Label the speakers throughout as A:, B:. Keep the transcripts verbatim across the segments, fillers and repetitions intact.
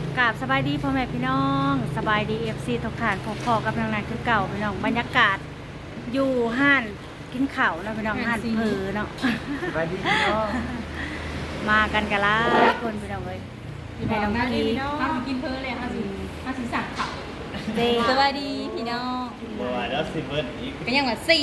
A: กราบสบายดีพ่อแม่พี่น้องสบายดีเอฟซีทุกท่านพอๆกับทางนั้นคือเก่าพี่น้องบรรยากาศอยู่ห้านกินข้าวแล้วพี่น้องห้านเพอเนาะ
B: สวัสดีพี่น้อง
A: มากันกันละคนพี่น้องเลย
C: พี่น้องนะพี่น้องมากินเพลินเลยค่ะสิมาสิสั่งเขา
A: เด
C: สวัสดีพี่น้อง
B: บัวแล้วสิเบิร์ดอีก
C: ก็ยังว่าสี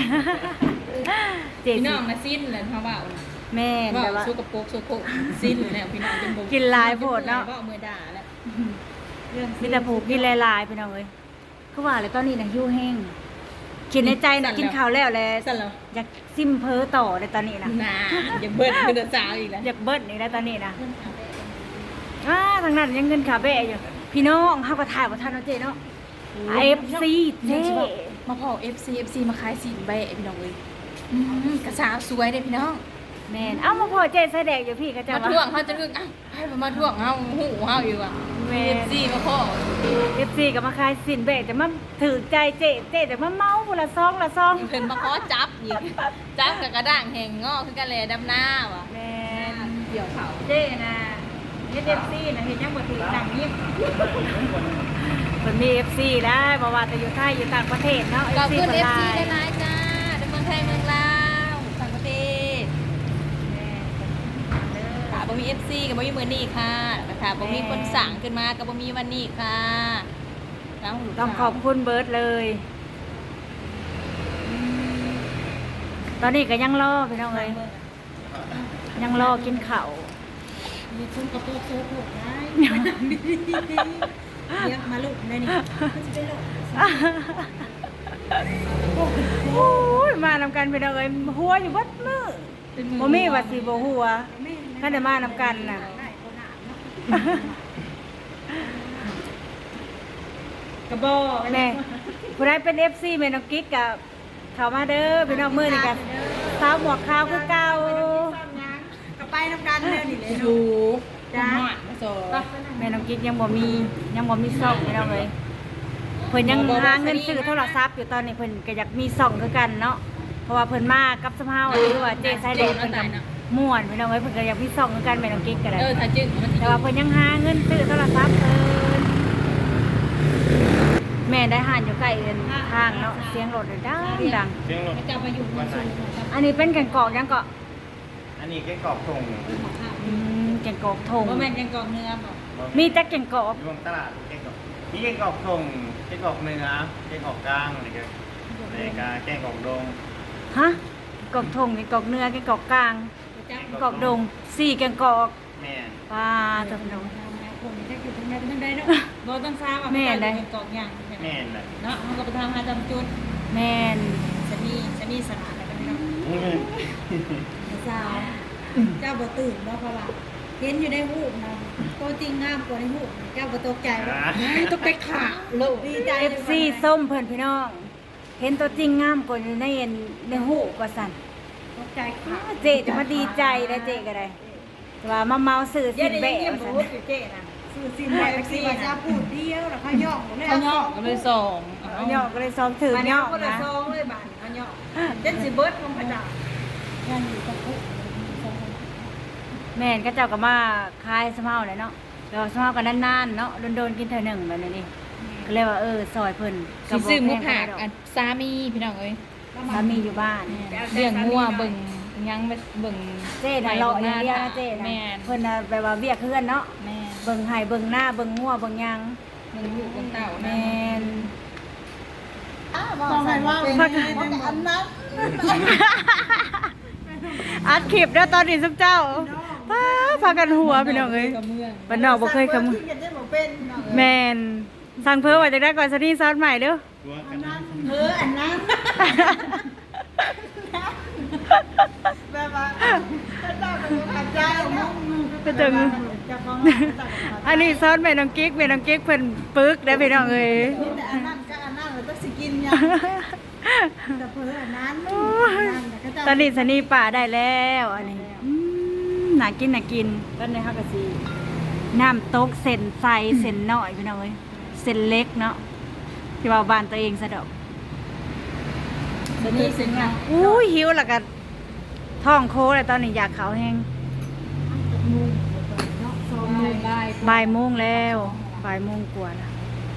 A: เจ
C: พี่
A: สิ
C: น้องมาสิ้นเลยเขาว่า
A: แม่น
C: ว่า
A: แต่ว่า
C: สู้กับโป๊กสู้โป๊กสิ้นแล้วพี่น้องเป็นบ่
A: กินหลายโพดเนาะ
C: ก็มือด่าแล้ว
A: มีแต่ผูกกินลายๆพี่น้องเลยคือว่าเลยตอนนี้นะหิ้วแห้งกินในใจนะกินข้าวแล้วแหละ
C: สั่นแล้ว
A: อยากซิมเพอต่อในตอนนี้นะ
C: น่าอย่าเบิ้ลคือเดือดสาวอีกแล้ว
A: อยากเบิ้ลนี่แล้วตอนนี้นะอ่าทางนั้นยังเงินขาเบะอยู่พี่น้องเขาก็ถ่ายว่าท่านเนาะเจเนาะเอฟซีเจ
C: มาพอ เอฟ ซี เอฟ ซี มาขายสินแบะพี่น้องเลยอืมกระสาวสวยเลยพี่น้อง
A: แมนเอ้ามาพอเจใส่แดกอยู่พี่ก็จะ
C: มาท่วงเขาจะนึกอ้าวให้มาท่วงเขาหูเขาอยู่อ่ะ
A: แม
C: เอน ฟซีมาพ่อ
A: เอฟซีก็มาขายสินเบะแต่มาถือใจเจเจแต่มาเมาบุละซองละซอง
C: เพิ่นมาขอจับอีกจับกับกระด้างแห่งงอคือกันเลยดำหน้าว่ะ
A: แมน
C: เดี่ยวเขา
A: เจนะเอฟซีนะเห็นยังบ่ถือดังนี้มันมีเอฟซีได้บ่ว่าแต่อยู่ไทยอยู่ต่างประเทศเนาะ
C: ขอบคุณ
A: เอ
C: เอ
A: ฟ
C: ฟ
A: ซี
C: ซีหลายๆจ้าในเมืองไทยเมืองลาวต่างประเทศค่ะบ่มี เอฟ ซี กับบ่มีมื้อนี้ค่ะค่ะบ่มีคนสั่งขึ้นมากับบ่มีวันนี้ค่ะแล้วลูก
A: ต้องขอบคุณเบิร์ดเลยตอนนี้ก็ยังรอพี่น้องเลยยังรอกินข้าว
C: มีคุณกระโปรงโซ่โผล่ได้เรียกมาลูกได้นี่มันจะได้ลูก
A: โอ้ยมานำกันพี่น้องเลยหัวอยู่วัดมือบ่มีว่าสิบ่หัวถ้าได้มานำกันน่ะกระบอกแน่ผู้ใดเป็น เอฟ ซี แม่น้องกิ๊กกับเข้ามาเด้อพี่น้องมื้อนี้กันสาวหมวกขาวคือเก่า
C: ก็ไปน้ำกันเลยนี่เลยดูจ้าโซ่
A: แม่น้องกิ๊กยังบ่มียังบ่มีซ่องพี่น้องเลยเพิ่นยังหาเงินซื้อโทรศัพท์อยู่ตอนนี้เพิ่นก็อยากมีซ่องคือกันเนาะเพราะว่าเพิ่นมากับสภาพหรือว่าเจไซเดนเพิ่นก็ม่วนพี่น้องเอ้ยเพิ่นก็อยากมีซ่องคือกันแม่น้องกิ๊กก็ได้
C: เออถ้าจึงมัน
A: แต่ว่าเพิ่นยังหาเงินซื้อโทรศัพท์เพิ่นแม่ได้หานอยู่ใกล้เอิ้นทางเนาะเสียงรถดังดัง
B: เสียงรถ
C: จะไปอยู่บนสูง
A: อันนี้เป็นแกงกอกยังเกาะ
B: อันนี้แค่กรอบทง
A: อืมแกงกอกทง
C: ว่าแม่ยังกองเนื้อบอก
A: มีแต่แกงกอก
B: รวมตลาดแค่กรอบนี่แค่กรอบทงแค่กรอบเนื้อแค่กรอบกลางอะไรกันอะไรกันแค่กรอบดง
A: ฮะกอกทงแกงกอกเนื้อแกงกอกกลางกอกดงสี่แกงกอก
B: แม่น
A: ปลาตัวพี่น้อง
C: คนจะอยู่ตรงไหนตรงใดเนาะบอต้องทราบว่าเป็นกองอย่าง
B: แม่นแหละ
C: เนาะมันก็ไปทำหาจำจุด
A: แม่น
C: สนีสนีสนาอะไรกันเนาะ
B: อืม
D: สาวเจ้าบ่ตื่นบ่เพราะว่าเห็นอยู่ในหูปนะตัวจริงงามกว่าในหูปนะเจ้าบ่ตกใจบ่
B: อ่า
C: ต้องไปขาโลก
D: ดีใจ
A: เอฟซีส้มเพิ่นพี่น้อง เห็นตัวจริงงามกว่าในเอ็นในหูกว่าสั่น
D: ตกใจค่ะ
A: เจจะมาดีใจแล้วเจก็ได้แต่ว่ามาเมาสื่อสิแบะว่าสั่น
C: เจ๊นะ
D: สื่อสิ่งใดสิว่าจะพูดเดียวแล้วเขาย่องเลย
C: เขาย่อก็เลยส่ง
A: ย่อก็เลยซ้อมถือย่อ
C: คนละ
A: นะ
C: ซองเลยบ้านเขาย่อเจ็ดสิบเบิร์ดของพระเจ้า
D: ย่างอยู่กับผู้
A: แม่นก็เจ้าก็มาคายสะเมาเลยเนาะแล้วสะเมากันนานๆเนาะโดนๆกินเท่อหนึ่งแบบนี้ก็เลยว่าเออซอยเพิ่น
C: สิซื้อหมูผักอันสามีพี่น้องเอ้ย
A: สามีอยู่บ้าน
C: เลี้ยงงัวเบิ่งยังเบิ่ง
A: เจ๊น่ะเลาะอย่างเดียวนะเจ๊นะ
C: แม่
A: เพิ่นน่ะแบบว่าเวียกเฮือนเนาะ
C: แม่
A: เบิ่งไห้เบิ่งหน้าเบิ่งงัวเบิ่งหยัง
C: เบิ่งลูกเบิ่งเต่า
A: แม่น
D: ต้องให้ว่าเป็นอันนั้น
A: อัดคลิปแล้วตอนนี้ซุปเจ้าป้าพากันหัวพี่น้องเอ้ยบ้านนอกบ่เคยขโมย
D: ที่จะบ่เป็น
A: แม่นสั่งเพิ่มว่าจะได้ก่อนซะนี่ซอสใหม่เด้อ
B: ตัวกันนะ
D: เอออันนั้นแบบว่าเจ้าเป็นขัดใจเนาะ
A: ก็จัง
D: เจ้าของ
A: อันนี้ซอสแม่น้องกิ๊กแม่น้องกิ๊กเพิ่นปึกได้อพี่น้องเอ้ย
D: แต่อันนั้นก็อันนั้นเราต้องสิกินยังแต่เพื่ออันนั้น
A: โอ้ยตอนนี้สนีป่าได้แล้วอันนี้อืมน่ากินน่ากินตอนนี้เฮาก็สิน้ำตกเส้นใสเส้นน้อยพี่น้องเอ้ยเส้นเล็กเนาะที่ว่าบ้านตัวเองซะดอก
C: สนี่สิงอ่ะ
A: อุ้ยหิวแล้วก็ท้องโคเลยตอนนี้อยากเขาวแห้ง
D: เนาะสอง
A: อื
C: โมงบ่าย
A: บ่ายโมงแล้วบ่ายโมงกว่าแล้ว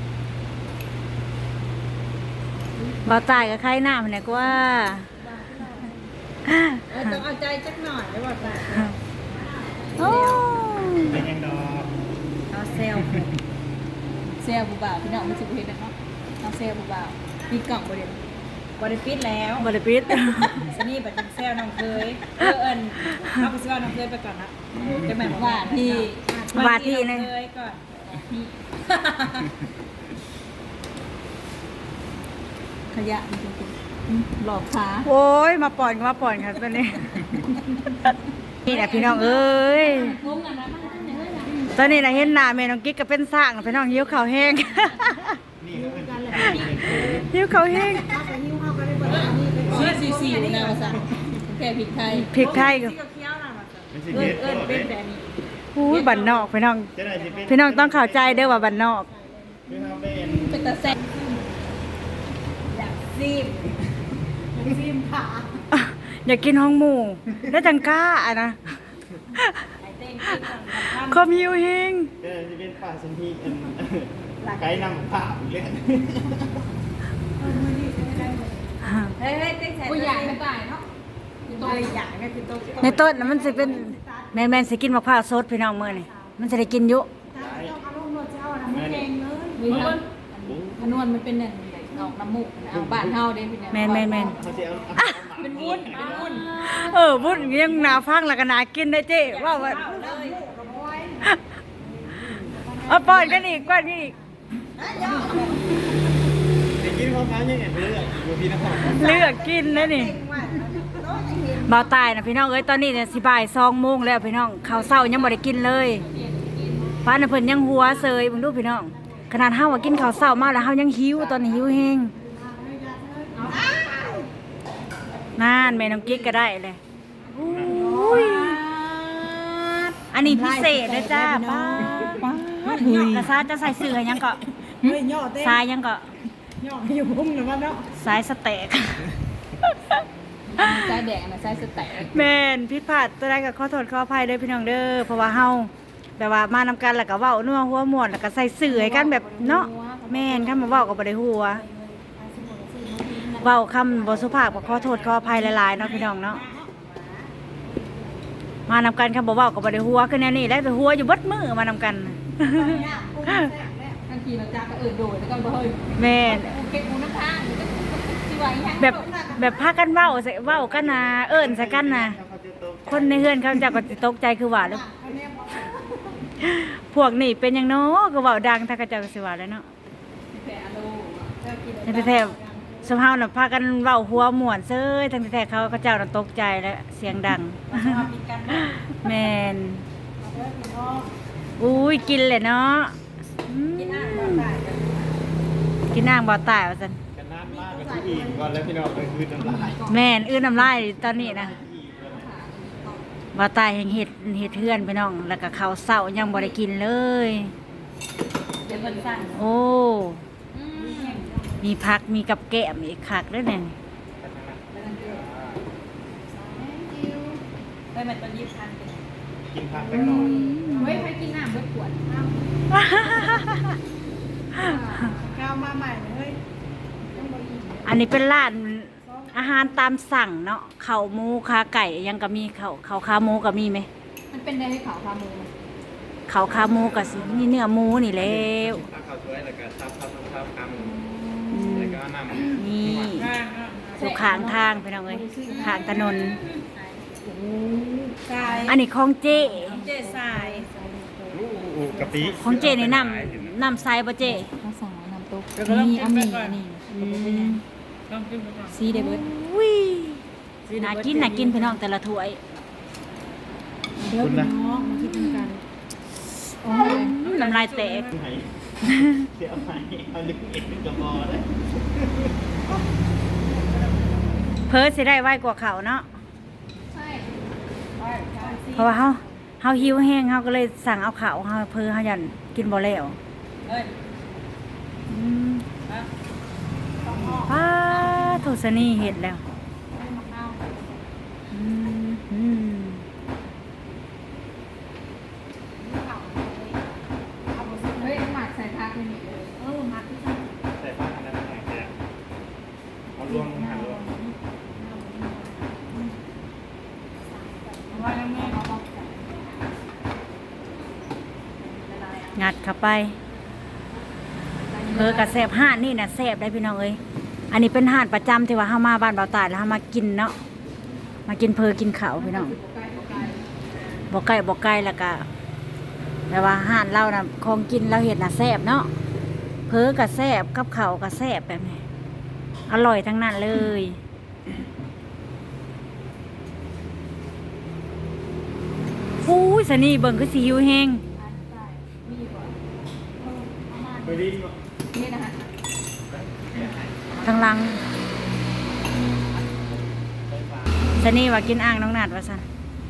A: บ่าวตายกับใครหน้ามันเนี่ยก็ว่า
D: เออต้องเอาใจจักหน่อยได้บ่ค่ะ
A: โอ้
B: เป็นยังดอก
D: เอาเซล
C: เซลผู้บ่าวพี่น้องมันสิบ่เฮ็ดเนาะเอาเซลผู้บ่าวปิดกล่องบ่เด้
D: บ่ได้ปิดแล้ว
A: บริปิด
D: สนี่บัดนี้เซลน้องเคยเออเอิ้นเอาไปซื้อน้องเคยไปก่อนนะจะแม่น
C: ว่าที่
A: บาทที่นะ
D: น้องเคยก่อน
C: ขยะมันจริงๆหลอกขา
A: โอ้ยมาป่อนก็มาป่อนครับตอนนี้ นี่แหละพี่น้องเอ้ย
C: งงกันนะมันทำอย่างไรล่ะ
A: ตอนนี้นะเห็นหน้าแม่น้องกิ๊กก็เป็นสร้างพี่น้องหิวข้าวแห้ง
B: นี่ก็เป็น
A: หิวข้าวแห้ง
C: ซีซีซีนะภาษาแค่พริกไทย
A: พริกไทยก็
D: เคี้ยวๆน่ะว่าซั่น
B: มันสิ
D: เอิ้
B: เฮ็
D: น
B: ด
D: เอิ้น
B: ก็
D: เป็น
B: ได้
D: แบบนี้
A: อุ้ยบ้านนอกพี่น้อง
B: จะได้สิเป็น
A: พี่น้องต้องเข้าใจเด้อว่าบ้านนอก
B: คือเฮาเป็น
C: เป็นตาแซ่บ
D: อยากซีมอยากซีมขา
A: อยากกินห้องหมูแล้วจังกล้าอะนะ
D: ไอ้เต้งกินก่อนครับ
A: ความหิวแห้ง
B: จะได้สิเป็นป่าสันทีอันไกด์นำผ่าเล่น
D: เฮ้ยเฮ้ยเต้งใส่
C: กูอยากไม่ตายเนาะ
D: ตัวอย่างก็คือตัว
A: ในต้นน่ะมันสิเป็นแม่นๆสิกินมะพร้าวสดพี่น้องมื้อนี่มันจะได้กินอยู่
D: ต้องเอาลงรถเจ้านะมันแพงเลย
C: มีคนพนวนมันเป็นเนี่ยออกน้ำมูกนะเอาบ้านเฮาเด้พี่เนี่ย
A: แม่นแม่นแม่น
B: เขาจะเอาเอา
C: เป็นวุ้นเป็นวุ้น
A: เออบุญยังหนาฟังแล้วก็หนากินได้เจ้ว่าว่าเอาป้อนกันอีกป้อนกันอีก
B: ไปกินข้าวฟ้ายังไงไปเรื่อยอยู่พี่นคร
A: เลือกกินนะนี่เบาตายนะพี่น้องเอ้ยตอนนี้เนี่ยสิบ่ายสองโมงแล้วพี่น้องข้าวเช้ายังบ่ได้กินเลยป้าน่ะเพิ่นยังหัวเซยเบิ่งดูพี่น้องขนาดเฮาว่ากินข้าวเช้ามาแล้วเฮายังหิวตอนนี้หิวแฮงนั่นแม่น้องกิ๊กก็ได้เลยอุ้ยอันนี้พิเศษนะจ้าป้าป้ากระซ่าจะใส่เสื้อยังก็
D: เฮ้ยย่อเต้ง
A: สายยังก็
D: ย่ออยู่พุ่งนะว่าเนาะ
A: สายสเต็ก
C: ไส้แดงนะไส้สแต็ก
A: แม่นพิดพลาดตัวใดก็ขอโทษขออภัยเด้อพี่น้องเด้อเพราะว่าเฮาแบบว่ามานำกันแล้วก็เว้านัวหัวม่วนแล้วก็ใส่เสื้อให้กันแบบเนาะแม่นคันมาเว้าก็บ่ได้หัวเว้าคำบ่สุภาพก็ขอโทษขออภัยหลายๆเนาะพี่น้องเนาะมานำกันคำบ่เว้าก็บ่ได้หัวคือแนวนี้แหละแต่หัวอยู่เบิดมื้อมานำกัน
C: บางทีเราจากก็เออโดดแล้วก็บ่เฮ้ย
A: แม่น
C: เก็บกูน้ำทางที่ว่าอีหยัง
A: แบบแบบพากันเว้าใส่เว้ากันนะเอิ้นใส่กันนะคนในเฮือนเขาเจะก็สิตกใจคือว่าแล้วพวกนี่เป็นหยังเนาะก็เว้าดังถ้าเขาเจ้าก็สิว่าแล้วเนาะ
C: แผลโล
A: ในแท้ๆสมเฮาน่ะพากันเว้าหัวม่วนเซ้ยทั้งที่แท้เขาเขาเจ้าน่ะตกใจแล้วเสียงดัง แม่นอุ้ยกินเลยเนาะอืมกินน้ำบ่ตายกินน้ำบ่ตายว่าซั่น
B: กันน้ำมากกับที่อีกก่อนแล้วพี่น้องไปคืนน้ำลาย
A: แม่นอื้อน้ำลายตอนนี้นะบ่ตายแห่งเห็ดเห็ดเทือนพี่น้อง แล้วก็ข้าวเช้ายังบ่ได้กินเลย
C: เดี๋ยวมันสั่น
A: โอ้ มีผักมีกับแกล้มอีกคักเด้อเนี่ย
C: ไปมันตอนยี่สิบพันเป็น
B: กินผักไปหน่อย
C: เฮ้ยใครกินน้ำเบิดขวด
D: ก้าวมาใหม่เลย
A: อันนี้เป็นร้านอาหารตามสั่งเนาะข้าวหมูขาไก่ยังก็มีข้าวข้าวขาหมูก็มีไหม
C: มันเป็นได้ให้เขาขาหมู
A: ข้าวขาหมูก็สิมีเนื้อหมูนี่แล้ว
B: ถ้าเขาช่วยแล้วก็ทับทับทับทับค
A: อื
B: ำ
A: ม
B: แล้วก็นำ
A: นี่ทุกข้างทางพี่น้องเอ้ยข้างถนน
D: ทราย
A: อันนี้ของเจ
D: เจ๊ทราย
B: อู้กะปิ
A: ของเจนี่น้ำน้ำใสบ่เจ
C: ภาษาน้ำตกนี่อันนี้อันนี้
A: อืม
C: ซีเดเบิร์ด
A: อุ้ยน่ากินน่ากินพี่น้องแต่ละถ้วย
D: เดี๋ยวพี่น้องมาคิดกัน
C: โอ้ย
A: น้ำลายแตก
B: ไหนเสียไหนเอาลึกเอ็ดกระบอกเลย
A: เพิ่นสิได้ไวกว่าเขาเนาะ
C: ใช่
A: เพราะว่าเฮาเฮาหิวแห้งเฮาก็เลยสั่งเอาข้าวเฮาเพิ่นเฮายันกินบ่แล้ว
C: เฮ้ย
A: อืมป้าโทษนี่เฮ็ดแล้วอืมอืมงัดเข้าไปเพอกระแสบห่านนี่น่ะแสบได้พี่น้องเอ้ยอันนี้เป็นห่านประจำที่ว่าเฮามาบ้านเบาตายแล้วเฮามากินเนาะมากินเพอกินข้าวพี่น้องบ่ไก่บ่ไก่แล้วก็แต่ว่าห่านเราน่ะของกินเราเห็ดน่ะแสบเนาะเพอกระแสบกับข้าวกระแสบแบบนี้อร่อยทั้งนั้นเลยอู้ยสนี่เบิ่งคือสิหิวแฮง
B: ไปดินบ่
C: นี่นะคะ
A: ทางหลังสนี่ว่ากินอ่างน้องนัดว่าซั่น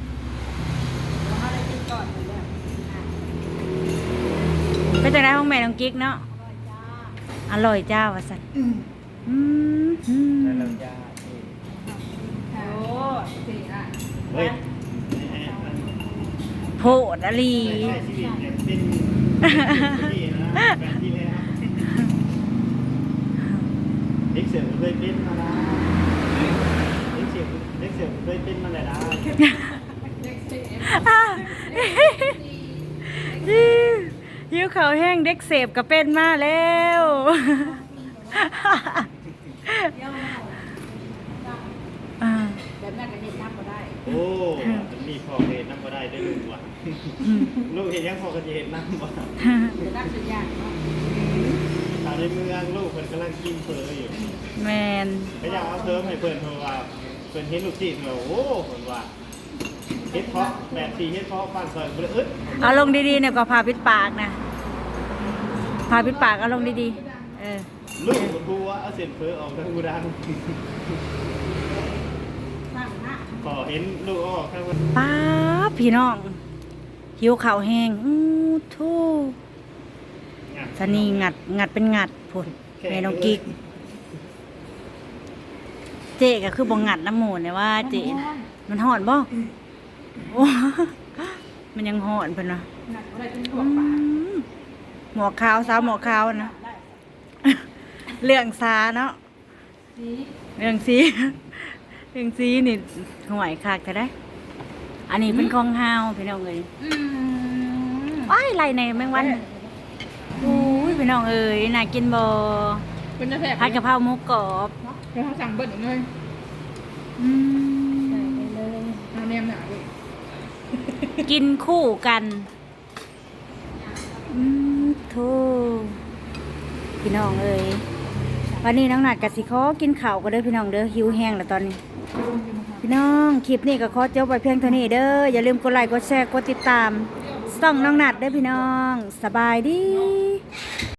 A: เป็นจังได๋ของแม่น้องกิ๊กเนาะอร่อยจ้าว่าซั่นอืมอืม
B: แล้วเราจะ
C: โอ้สี่อ่ะ
B: เฮ้ย
A: โพดอลี
B: ใช้ชีวิตเนี่ยเป็นที่นะแบบที่เลยนะเด็กเสือเคยเป็นมาแล้วเด็กเสือเด็กเสือเคยเป็นมาแล้วนะ
A: หิวข้าวแห้งเด็กเสพก็เป็นมาแล้วอ่า
C: แบบนั้นก็เห็นน้ำก็ได้
B: โอ้มีพอเห็นน้ำก็ได้ได้ลูกว่ะลูกเห็นยังพอก็จะเห็นน้ำว่ะ
C: จะนักสุดยากเนาะ
B: ตอนในเมืองลูกเพิ่นกำลังกินเฟออยู่
A: แมน
B: ก็อยากเอาเพิ่มให้เพิ่นเพราะว่าเพิ่นเห็นลูกจีนแล้วโอ้เพิ่นว่าเฮ็ดเพาะแบบสีเฮ็ดเพาะฟันซอยบ่ได้อึด
A: เอาลงดีๆเนี่ยก็พาปิดปากนะพาปิดปากเอาลงดีๆเออ
B: ลูกมันพูว่าเอาเส้นเฟ้อออกทางกูดังพอเห็นลูกออกทางว่า
A: ป้าบพี่น้องหิวข้าวแห้งอู้ทู่สนีงัดงัดเป็นงัดพุ่นแม่น้องกิ๊กเจ๊ก็คือบ่งัดน้ำหมูเนี่ยว่าเจ๊น่ะมันห่อนบ่โอ้มันยังห่อนเพิ่นว่ะ
C: หนักอะไรเป็นหั
A: อื
C: วปาก
A: มหมอขาวสาวหมอขาวนะ เรื่องซาเนาะ
C: นี่
A: เรื่องซีเรื่องซีนี่ห่วยคักจะได้ อันนี้เป็นของฮาวพี่น้องเอ้ย
C: อืม
A: ว้ายไรในแมงวันอุ้ยพี่น้องเอ้ยน่ากินบ่
C: เป็นจะแสบ
A: ผัดกะเพราหมูกรอบ
C: เดี๋ยวเขาสั่งเบิ้ลอีกเลย
A: อืม
C: เอาแนมหนาเลย
A: กินคู่กันอืมโธ่พี่น้องเอ้ยวันนี้น้องหนัดกับสิขอกินข้าวก็เด้อพี่น้องเด้อหิวแห้งแล้วตอนนี้ พี่น้องคลิปนี้ก็ขอจบไปเพียงเท่านี้เด้ออย่าลืมกดไลค์กดแชร์กดติดตามส่องน้องหนัดเด้อพี่น้องสบายดี